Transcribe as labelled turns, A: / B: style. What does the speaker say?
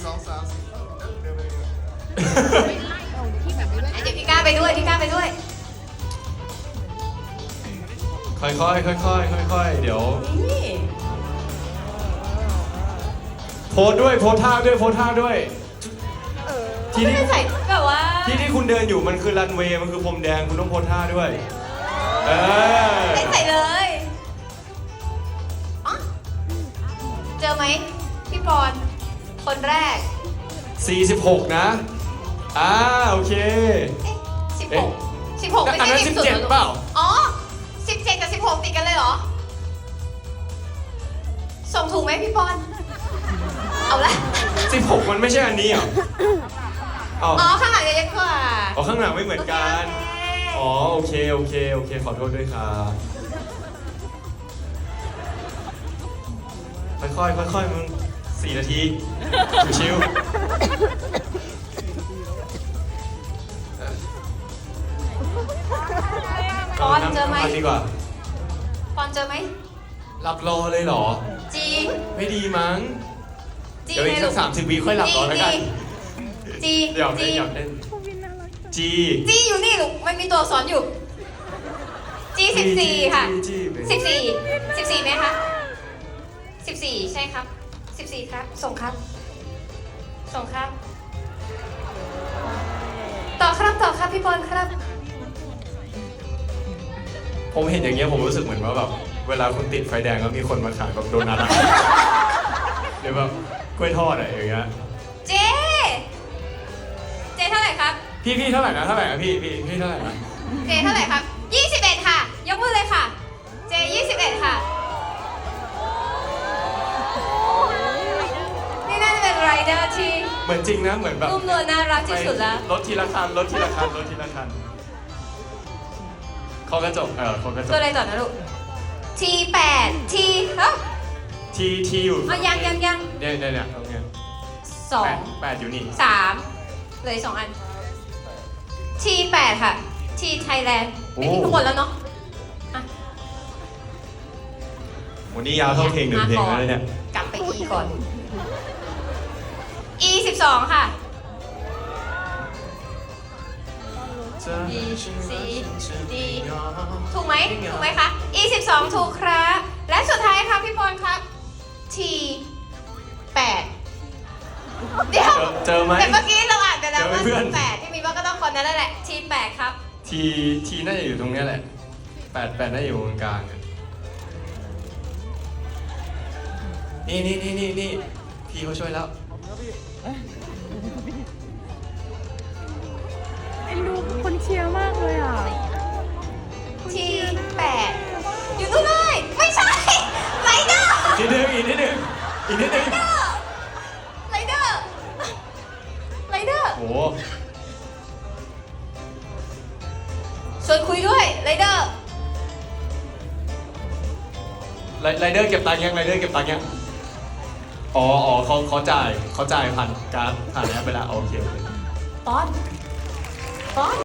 A: เดินไปเลย
B: เดี๋ยวพี่ก้าไปด้วยพี่ก้าไปด้วย
C: ค่อยๆค่อยๆเดี๋ยว
B: นี่
C: โพสด้วยโพสท่าด้วยโพสท่าด้วย ที่
B: ไม่
C: นี่
B: ได้ใส่แบบว่า
C: ที่คุณเดินอยู่มันคือรันเวย์มันคือพรมแดงคุณต้องโพสท่าด้วยเออ
B: ไม่ได้ใส่เลยอ๋อเจอไหมพี่ปอนคนแรก
C: 46นะโอเค
B: เอ๊ะ16
C: เอ๊ะ
B: 16ไม่
C: อัน
B: ใช่
C: นั้น
B: สิบสุด
C: 17เปล่า
B: อ๋อ17กับ16ติดกันเลยเหรอส่งถูกไหมพี่ปอนเอาละ
C: 16มันไม่ใช่อันนี้เหรออ๋อ
B: อ๋อข้างหลังจะเล็กกว่า
C: อ๋อข้างหลังไม่เหมือนกัน
B: โอเค
C: อ๋อโอเคขอโทษด้วยครับค่อยมึง4 นาทีชิวๆ
B: ปอนเจอไหม
C: ดีกว่า
B: ปอนเจอไหม
C: หลับรอเลยเหรอ
B: จี
C: ไม่ดีมั้ง
B: จี
C: เดี๋ยวอีกสัก
B: ไงลู
C: 30 วิค่อยหลับรอแล้วกัน
B: จี
C: หยอก
B: จี
C: เล่นจี
B: จีอยู่นี่ลูกมันมีตัวสอนอยู่จี14ค่ะ
C: จี
B: 14ไหมคะ14ใช่ครับ14ครับส่งครับต่อครับพี่ปอนครับ
C: ผมเห็นอย่างเงี้ยผมรู้สึกเหมือนว่าแบบเวลาคุณติดไฟแดงแล้วมีคนมาขายแบบโดนัทอะหรือแบบกล้วยทอดอะไรอย่างเงี้ย
B: เจเท่าไหร่ครับ
C: พี่เท่าไหร่นะพี่เท่าไหร่นะ
B: เจเท่าไหร่ครับ21ค่ะยกมือเลยค่ะเจ21ค่ะนี่น่าจะเป็นไรเดอร์ที่
C: เหมือนจริงนะเหมือนแบบ
B: นุ่มนวลน่ารักที่สุดแล้ว
C: รถทีละคันเขากระจกเขากระจ
B: ตัว
C: ก
B: อะไรต่อนะลูก T8 T ฮะ
C: ทีอยู่
B: อ๋อยัง
C: เนี่ยตรงเนี้ย
B: สอง
C: 8อยู่นี่
B: 3เลย2 อัน T8 ค่ะ T Thailand ไม่มีข้างบนแล้วเนาะอ่ะ
C: วันนี้ยาวเท่าเพลงหนึ่งเพลงแล้วเนี่ย
B: กลับไป E ก่อน E 12ค่ะ E C D ถูกไหมคะ E 12ถูกครับ และสุดท้ายครับพี่ปอนครับ T 8เดี๋ยว
C: เจอไหม
B: แต่เมื่อกี้เราอ่านไปแล้วว่า
C: เจอไหมเพื่อน
B: T 8พี่มีว่าก็ต้องคนนั้นแหละ T 8ครับ
C: ทีน่าจะอยู่ตรงเนี้ยแหละ8น่าจะอยู่ตรงกลางอะนี่พี่เขาช่วยแล้ว
D: เอ็นดูคนเชียร์มากเลยอ่ะ
B: T 8อยู่ตรงไหนไม่ใช่ไรเดอร์
C: อีกนิดนึง
B: ไรเดอร์
C: โอ้
B: ชวนคุยด้วยไรเดอร์
C: ไรเดอร์เก็บตังค์ยังอ๋อเขาจ่ายผ่านการ์ดผ่านแอปไปแล้วโอเค
B: ปอน